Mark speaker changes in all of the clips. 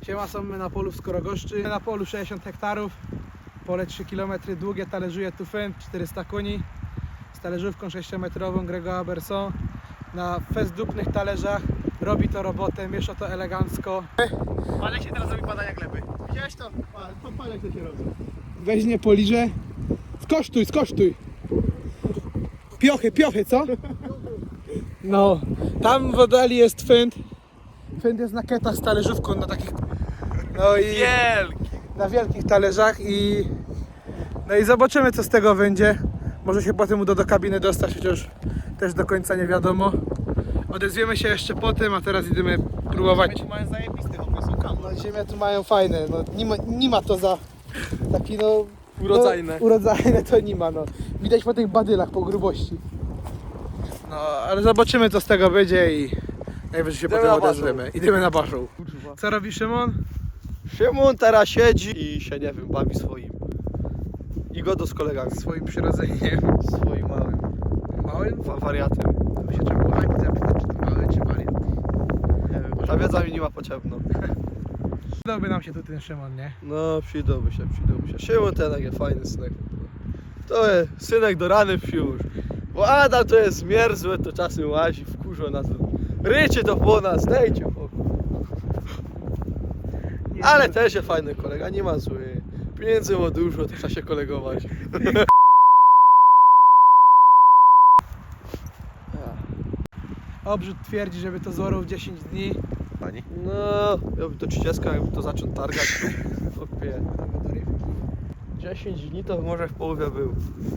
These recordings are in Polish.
Speaker 1: Siema, są my na polu w Skorogoszczy. Na polu 60 hektarów, pole 3 km długie, talerzuje tu Fendt 400 koni z talerzówką 6-metrową Gregoire Berson. Na festdupnych talerzach robi to robotę, miesza to elegancko.
Speaker 2: Palek się teraz robi badania gleby. Widziałeś to? Palek to się robi.
Speaker 1: Weźmie poliże. Skosztuj! Piochy, co? No, tam w oddali jest Fendt. Fendt jest na ketach z talerzówką, na takich... No i...
Speaker 2: Wielki!
Speaker 1: Na wielkich talerzach i... No i zobaczymy, co z tego będzie. Może się potem uda do kabiny dostać, chociaż też do końca nie wiadomo. Odezwiemy się jeszcze po tym, a teraz idziemy próbować.
Speaker 2: Mają zajebisty, są kam.
Speaker 1: No ziemia tu mają fajne, no nie ma to za taki no...
Speaker 2: Urodzajne.
Speaker 1: No, urodzajne to nie ma, no. Widać po tych badylach, po grubości. No, ale zobaczymy, co z tego będzie i najwyżej się potem odezwiemy. Idziemy na baszą. Co robi Szymon?
Speaker 2: Szymon teraz siedzi i się, nie wiem, bawi swoim. I godo z kolegami.
Speaker 1: Swoim przyrodzeniem.
Speaker 2: Swoim małym
Speaker 1: Małym?
Speaker 2: wariatem.
Speaker 1: To by się trzeba było Ani zapytać, czy to mały, czy wariat.
Speaker 2: Nie wiem, ta wiedza mi nie ma potrzebna.
Speaker 1: Przydałby nam się tu ten Szymon, nie?
Speaker 2: No, przydałby się. Szymon ten jest fajny synek. To jest synek do rany wsióż. Bo Adam to jest mierzłe, to czasem łazi, wkurza nas. Rycie to po nas, dajcie pokój. Ale też jest fajny kolega, nie ma zły. Pieniędzy ma dużo, to trzeba się kolegować.
Speaker 1: Obrzyd twierdzi, żeby to zorał w 10 dni.
Speaker 2: Pani? No, jakby to 30, jakby to zaczął targać. Opie. 10 dni to może w połowie był.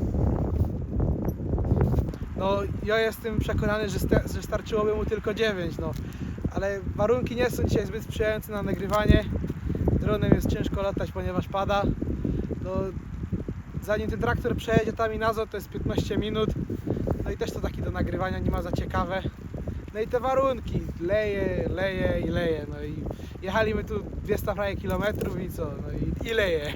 Speaker 1: No, ja jestem przekonany, że starczyłoby mu tylko 9, no. Ale warunki nie są dzisiaj zbyt sprzyjające na nagrywanie. Dronem jest ciężko latać, ponieważ pada. No, zanim ten traktor przejedzie tam i nazad, to jest 15 minut. No i też to taki do nagrywania nie ma za ciekawe. No i te warunki, leje. No i jechaliśmy tu 200 kilometrów i co? No i leje.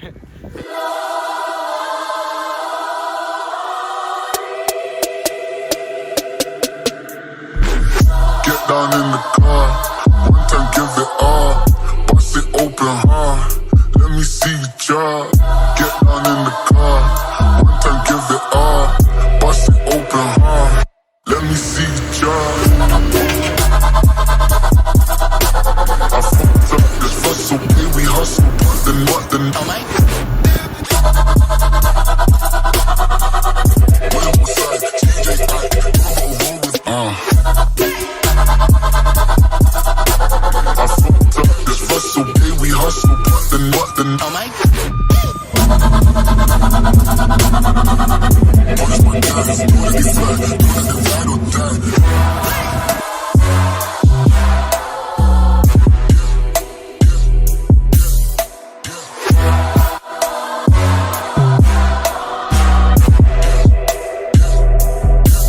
Speaker 3: Get down in the car, one time give it all, bust it open hard, let me see you drop. Get down in the car, one time give it all, bust it open hard, let me see you drop. I fucked up this hustle, okay we hustle, but then when I'm outside, DJ roll with I fucked up this hustle, okay we hustle, but then
Speaker 4: Oh my